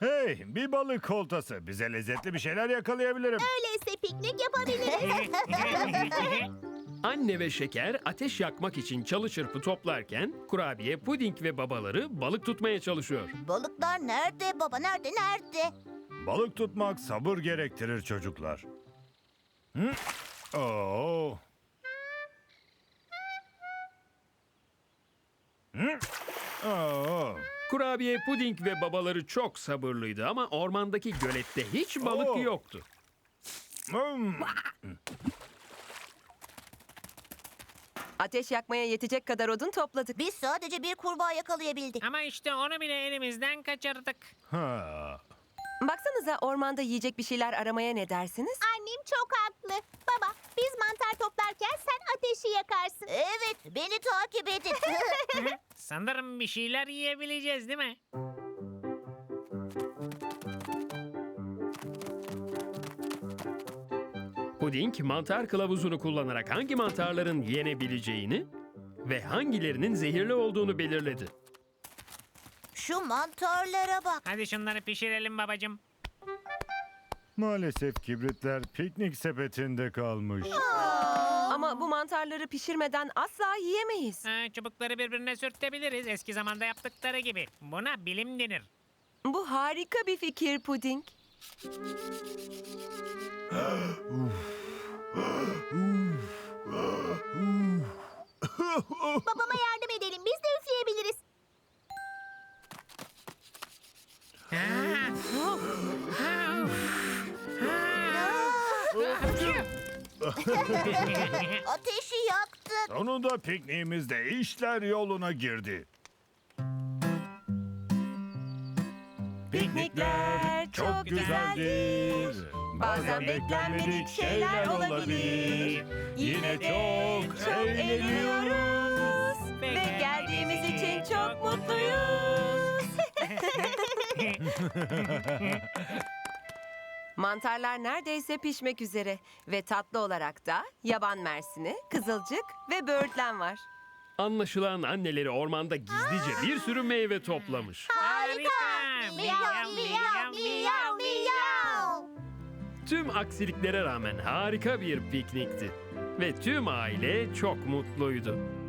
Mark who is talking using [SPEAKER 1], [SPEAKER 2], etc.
[SPEAKER 1] Hey, bir balık oltası. Bize lezzetli bir şeyler yakalayabilirim.
[SPEAKER 2] Öyleyse piknik yapabiliriz.
[SPEAKER 3] Anne ve Şeker ateş yakmak için çalı çırpı toplarken Kurabiye, Puding ve babaları balık tutmaya çalışıyor.
[SPEAKER 2] Balıklar nerede baba? Nerede?
[SPEAKER 1] Balık tutmak sabır gerektirir çocuklar. Hı? Oo. Hı? Oo.
[SPEAKER 3] Kurabiye, Puding ve babaları çok sabırlıydı ama ormandaki gölette hiç balık
[SPEAKER 1] Oo.
[SPEAKER 3] yoktu.
[SPEAKER 1] Hmm.
[SPEAKER 4] Ateş yakmaya yetecek kadar odun topladık.
[SPEAKER 2] Biz sadece bir kurbağa yakalayabildik.
[SPEAKER 5] Ama işte onu bile elimizden kaçırdık.
[SPEAKER 1] Ha.
[SPEAKER 4] Baksanıza ormanda yiyecek bir şeyler aramaya ne dersiniz?
[SPEAKER 2] Annem çok haklı. Baba, biz mantar toplarken sen ateşi yakarsın. Evet, beni takip edin.
[SPEAKER 5] Sanırım bir şeyler yiyebileceğiz değil mi?
[SPEAKER 3] Puding mantar kılavuzunu kullanarak hangi mantarların yenebileceğini ve hangilerinin zehirli olduğunu belirledi.
[SPEAKER 2] Şu mantarlara bak.
[SPEAKER 5] Hadi şunları pişirelim babacığım.
[SPEAKER 1] Maalesef kibritler piknik sepetinde kalmış.
[SPEAKER 4] Ama bu mantarları pişirmeden asla yiyemeyiz.
[SPEAKER 5] Çubukları birbirine sürtebiliriz eski zamanda yaptıkları gibi. Buna bilim denir.
[SPEAKER 4] Bu harika bir fikir Puding.
[SPEAKER 2] Babama yardım edelim. Biz de üfleyebiliriz. Ateşi yaktık.
[SPEAKER 1] Sonunda pikniğimizde işler yoluna girdi.
[SPEAKER 4] Piknikler çok güzeldir. Bazen beklenmedik şeyler olabilir. Yine çok eğleniyoruz. Ve geldiğimiz için çok mutluyuz. Mantarlar neredeyse pişmek üzere. Ve tatlı olarak da yaban mersini, kızılcık ve böğürtlen var.
[SPEAKER 3] Anlaşılan anneleri ormanda gizlice bir sürü meyve toplamış.
[SPEAKER 2] Harika. Miyav miyav miyav miyav.
[SPEAKER 3] Tüm aksiliklere rağmen harika bir piknikti. Ve tüm aile çok mutluydu.